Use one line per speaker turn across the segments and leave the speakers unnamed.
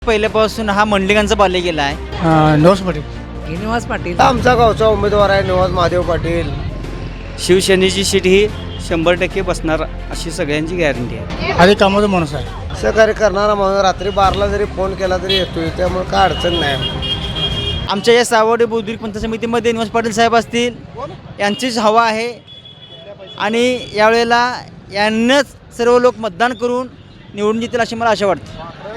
पहिल्यापासून हा मंडलिकांचा बाल्य गेला आहे.
निवास पाटील.
निवास पाटील
आमचा गावचा उमेदवार आहे निवास महादेव पाटील.
शिवसेनेची सीट ही 100% बसणार अशी सगळ्यांची गॅरंटी आहे.
आधी कामाचा माणूस आहे.
सहकार्य करणारा माणूस रात्री 12ला जरी फोन केला तरी येतोय, त्यामुळे काय अडचण नाही.
आमच्या या सावडे बुद्रुक पंचायत समितीमध्ये निवास पाटील साहेब असतील, यांचीच हवा आहे आणि यावेळेला यांनाच सर्व लोक मतदान करून निवडून येतील अशी मला आशा वाटते.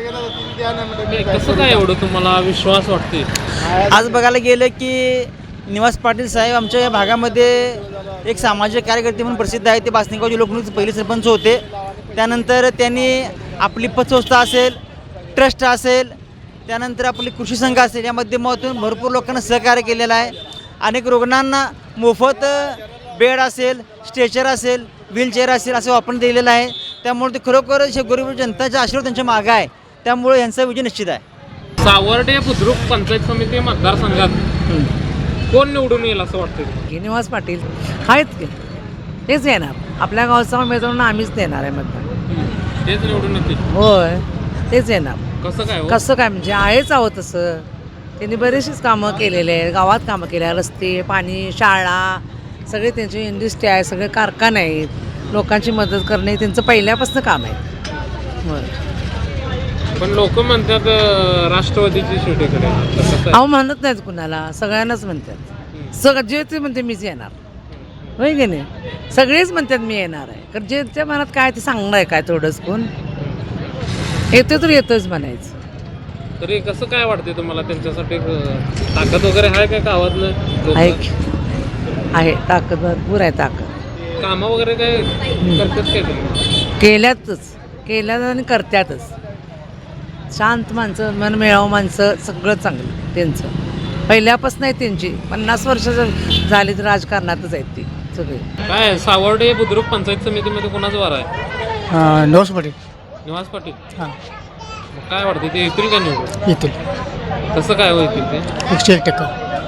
कसं काय एवढं तुम्हाला विश्वास वाटते?
आज बघायला गेलं की निवास पाटील साहेब आमच्या या भागामध्ये एक सामाजिक कार्यकर्ते म्हणून प्रसिद्ध आहे. ते बासनिगावचे लोकनियुक्त पहिले सरपंच होते. त्यानंतर त्यांनी आपली पतसंस्था असेल, ट्रस्ट असेल, त्यानंतर आपली कृषी संघ असेल, या माध्यमातून भरपूर लोकांना सहकार्य केलेलं आहे. अनेक रुग्णांना मोफत बेड असेल, स्ट्रेचर असेल, व्हीलचेअर असेल असं वापरून दिलेलं आहे. त्यामुळे ते खरोखर गरीब जनताचा आशीर्वाद त्यांच्या मागं आहे. त्यामुळे यांचा विजय निश्चित आहे.
सावर्डे बुद्रुक पंचायत समिती मतदारसंघात कोण निवडून येईल असं वाटतं?
निवास पाटील आहेत की तेच येणार. आपल्या गावचा उमेदवार आम्हीच देणार आहे मतदान.
तेच निवडून येतील.
होय तेच येणार.
कसं काय हो?
कसं काय म्हणजे आहेच आहोत तसं. त्यांनी बरेचशीच कामं केलेले आहेत. गावात कामं केले आहे. रस्ते, पाणी, शाळा सगळे त्यांची इंडस्ट्री आहे, सगळे कारखाने आहेत. लोकांची मदत करणे त्यांचं पहिल्यापासून काम आहे. होय.
पण लोक म्हणतात राष्ट्रवादीची शेवटीकडे.
अहो म्हणत नाहीत कुणाला, सगळ्यांनाच म्हणतात. जे ते म्हणते मीच येणार, होय की नाही. सगळेच म्हणतात मी येणार आहे. कारण जे त्या मनात काय ते सांगणार आहे काय थोडंच कोण येतो तर येतोच म्हणायचं.
तरी कसं काय वाटते तुम्हाला त्यांच्यासाठी ताकद वगैरे आहे काय गावातलं?
आहे ताकद, भरपूर आहे ताकद.
कामं वगैरे काय करतात काय तुम्ही?
केल्यात आणि करत्यातच. शांत माणसं, मन मिळावं माणसं, सगळं चांगलं त्यांचं पहिल्यापासून आहे. त्यांची 50 वर्ष झाली तर राजकारणातच आहेत ती सगळे.
काय सावर्डे बुद्रुक पंचायत समितीमध्ये कोणाचं वार आहे?
निवास पाटील.
निवास पाटील.
हां
मग काय वाटते ते येतील का निवडून?
येतील.
कसं काय होईल ते?
101%.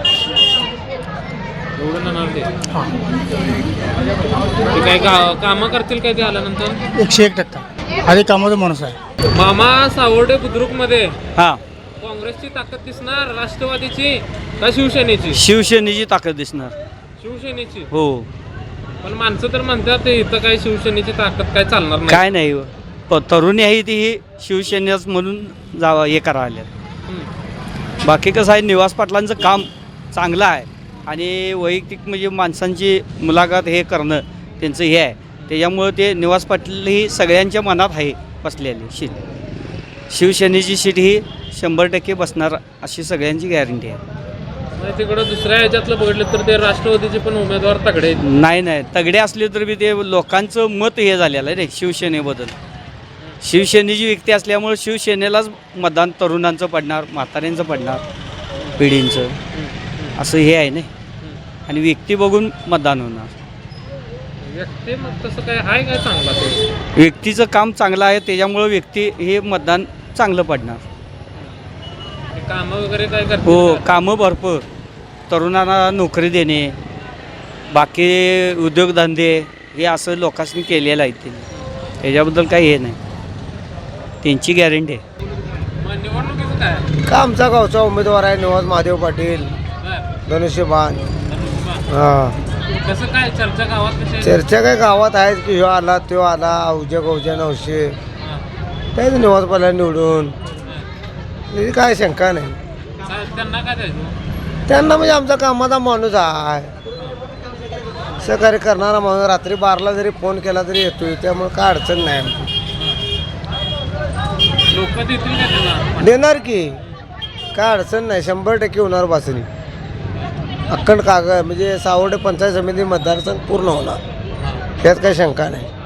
निवडून येणार ते?
हां
ते काय कामं करतील काय ते आल्यानंतर?
101%. आधी कामाचा माणूस आहे.
मामा सावर्डे बुद्रुकमध्ये
हां,
काँग्रेसची ताकद दिसणार, राष्ट्रवादीची का शिवसेनेची?
शिवसेनेची ताकद दिसणार.
शिवसेनेची.
हो,
पण माणसं तर म्हणतात इथं काय शिवसेनेची ताकद काय चालणार नाही.
काय नाही. तरुणी आहे ती ही शिवसेनेच म्हणून जावं हे करावं आल्या. बाकी कसं आहे, निवास पाटलांचं काम चांगलं आहे आणि वैयक्तिक म्हणजे माणसांची मुलाखत हे करणं त्यांचं हे आहे. त्याच्यामुळं ते निवास पाटील ही सगळ्यांच्या मनात आहे बसलेली सीट. शिवसेनेची सीट ही 100% बसणार अशी सगळ्यांची गॅरंटी आहे.
म्हणजे तिकडं दुसऱ्या ह्याच्यातलं बघितलं तर ते राष्ट्रवादीचे पण उमेदवार तगडे आहेत.
नाही, तगडे असले तर बी ते लोकांचं मत हे झालेलं आहे रे शिवसेनेबद्दल. शिवसेनेची व्यक्ती असल्यामुळे शिवसेनेलाच मतदान तरुणांचं पडणार, म्हाताऱ्यांचं पडणार, पिढींचं असं हे आहे नाही. आणि व्यक्ती बघून मतदान होणार.
व्यक्ती मग तसं काय आहे काय चांगला ते?
व्यक्तीचं काम चांगलं आहे त्याच्यामुळं व्यक्ती हे मतदान चांगलं पडणार.
कामं वगैरे काय करतात?
हो, कामं भरपूर. तरुणांना नोकरी देणे, बाकी उद्योगधंदे हे असं लोकांनी केलेलं आहे. त्यांनी त्याच्याबद्दल काही हे नाही, त्यांची गॅरंटी आहे.
मग निवडणुकीचं काय?
का आमचा गावचा उमेदवार आहे निवास महादेव पाटील. धनुष्यबाण. हां,
कसं काय चर्चा गावात कशी आहे?
चर्चा काय गावात आहेत की ह्यो आला त्यो आला, अवघ्या 900 त्याच निवास पाटील निवडून. त्याची काय शंका नाही.
त्यांना काय द्यायचं?
त्यांना म्हणजे आमचा कामाचा माणूस आहे, सहकार्य करणारा माणूस रात्री 12ला जरी फोन केला तरी येतोय, त्यामुळे काय अडचण नाही.
लोक देतील का त्याला?
देणार की काय अडचण नाही. 100% होणार बासरी. अक्कड कागद म्हणजे सावर्डे पंचायत समिती मतदारसंघ पूर्ण होणार, त्यात काही शंका नाही.